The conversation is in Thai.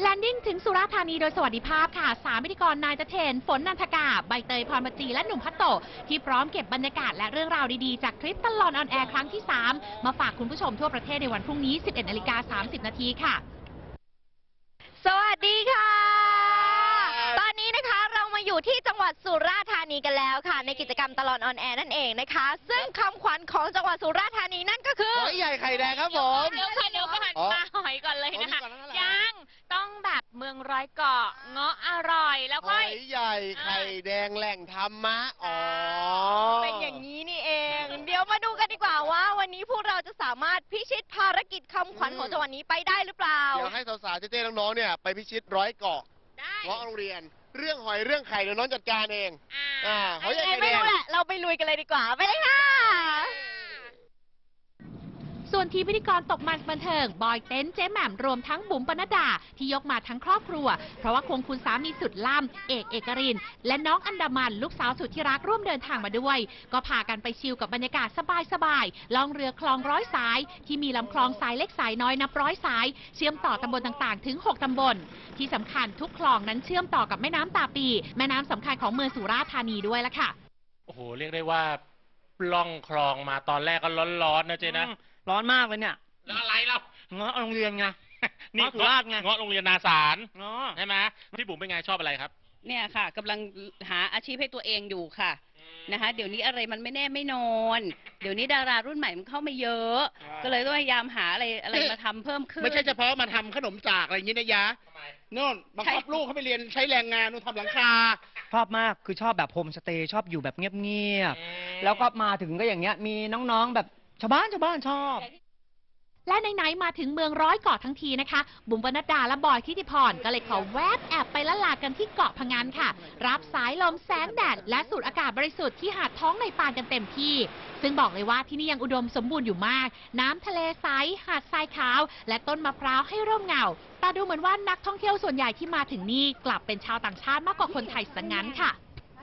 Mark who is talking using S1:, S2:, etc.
S1: Landing ถึงสุราษฎร์ธานีโดยสวัสดิภาพค่ะ3พิธีกรนายเจเทนฝนนันทกาใบเตยพรปจีและหนุ่มพัตโตที่พร้อมเก็บบรรยากาศและเรื่องราวดีๆจากทริปตลอดออนแอร์ครั้งที่ 3มาฝากคุณผู้ชมทั่วประเทศในวันพรุ่งนี้ 11:30 น.ค่ะ
S2: สวัสดีค่ะ ตอนนี้นะคะเรามาอยู่ที่จังหวัดสุราษฎร์ธานีกันแล้วค่ะในกิจกรรมตลอดออนแอร์นั่นเองนะคะซึ่งคำขวัญของจังหวัดสุราษฎร์ธานีนั่นก็คือ
S3: หอยใหญ่ไข่แดงครับผม
S4: เดี๋ยวก็หันมาหอยก่อนเลยนะคะยังต้องแบบเมืองร้อยเกาะเงาะอร่อยแล้วก็
S3: หอยใหญ่ไข่แดงแหล่งธรรมะ
S2: เป็นอย่างนี้นี่เองเดี๋ยวมาดูกันดีกว่าว่าวันนี้พวกเราจะสามารถพิชิตภารกิจคำขวัญของจังหวัดนี้ไปได้หรือเปล่า
S3: เดี๋ยวให้สาวๆเจ๊ๆน้องๆเนี่ยไปพิชิตร้อยเกาะเงาะโรงเรียนเรื่องหอยเรื่องไข่เดี๋ยวน้องจัดการเองหอยใหญ่ไข่แดง
S2: ไม่รู้แหละเราไปลุยกันเลยดีกว่าไปเลยค่ะ
S1: ส่วนทีมพิธีกรตกมันบันเทิงบอยเต้นเจ๊แหม่มรวมทั้งบุ๋มปนัดดาที่ยกมาทั้งครอบครัวเพราะว่าควงคุณสามีสุดล่ำเอกรินและน้องอันดามันลูกสาวสุดที่รักร่วมเดินทางมาด้วยก็พากันไปชิลกับบรรยากาศสบายๆล่องเรือคลองร้อยสายที่มีลำคลองสายเล็กสายน้อยนับร้อยสายเชื่อมต่อตำบลต่างๆถึง6ตำบลที่สำคัญทุกคลองนั้นเชื่อมต่อกับแม่น้ำตาปีแม่น้ำสำคัญของเมืองสุราษฎร์ธานีด้วยละค่ะ
S5: โอ้โหเรียกได้ว่าล่องคลองมาตอนแรกก็ร้อนๆนะเจ๊นะ
S6: ร้อนมากเลยเนี่ย
S5: แล้วอะไรเรา
S6: เงาะโรงเรียนไง
S5: นี่สุราษฎร์ไงเงาะโรงเรียนนาสารใช่ไหมพี่บุ๋มเป็นไงชอบอะไรครับ
S7: เนี่ยค่ะกำลังหาอาชีพให้ตัวเองอยู่ค่ะนะคะเดี๋ยวนี้อะไรมันไม่แน่ไม่นอนเดี๋ยวนี้ดารารุ่นใหม่มันเข้ามาเยอะก็เลยต้องพยายามหาอะไรมาทำเพิ่มขึ้น
S6: ไม่ใช่เฉพาะมาทำขนมจากอะไรอย่างนี้นะยะโน่นบังคับลูกเขาไปเรียนใช้แรงงานนู่นทำหลังคา
S8: ชอบมากคือชอบแบบโฮมสเตย์ชอบอยู่แบบเงียบๆแล้วก็มาถึงก็อย่างเงี้ยมีน้องๆแบบชาวบ้านชอบ
S1: และไหนๆมาถึงเมืองร้อยเกาะทั้งทีนะคะบุ๋มปนัดดาและบอยทิติพรก็เลยขอแวบแอบไปละลากันที่เกาะพะงันค่ะรับสายลมแสงแดดและสูดอากาศบริสุทธิ์ที่หาดท้องในปานกันเต็มที่ซึ่งบอกเลยว่าที่นี่ยังอุดมสมบูรณ์อยู่มากน้ำทะเลใสหาดทรายขาวและต้นมะพร้าวให้ร่มเงาแต่ดูเหมือนว่านักท่องเที่ยวส่วนใหญ่ที่มาถึงนี่กลับเป็นชาวต่างชาติมากกว่าคนไทยซะงั้นค่ะ